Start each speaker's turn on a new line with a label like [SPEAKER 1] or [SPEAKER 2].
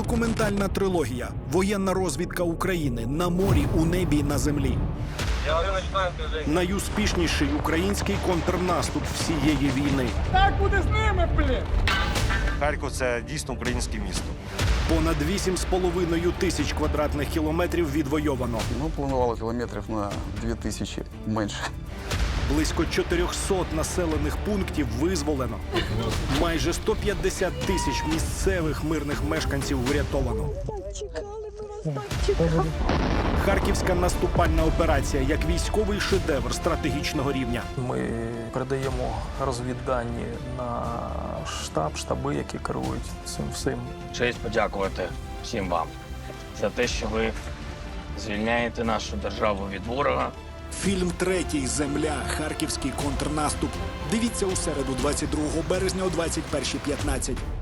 [SPEAKER 1] Документальна трилогія «Воєнна розвідка України. На морі, у небі, на землі». Найуспішніший український контрнаступ всієї війни.
[SPEAKER 2] Так буде з ними, блін!
[SPEAKER 3] Харків – це дійсно українське місто.
[SPEAKER 1] Понад 8,5 тисяч квадратних кілометрів відвойовано.
[SPEAKER 4] Ну, планували кілометрів на 2000 менше.
[SPEAKER 1] Близько 400 населених пунктів визволено. Майже 150 тисяч місцевих мирних мешканців врятовано. Харківська наступальна операція як військовий шедевр стратегічного рівня.
[SPEAKER 5] Ми передаємо розвіддані на штаби, які керують цим всім.
[SPEAKER 6] Честь подякувати всім вам за те, що ви звільняєте нашу державу від ворога.
[SPEAKER 1] Фільм «Третій. Земля. Харківський контрнаступ». Дивіться у середу, 22 березня о 21:15.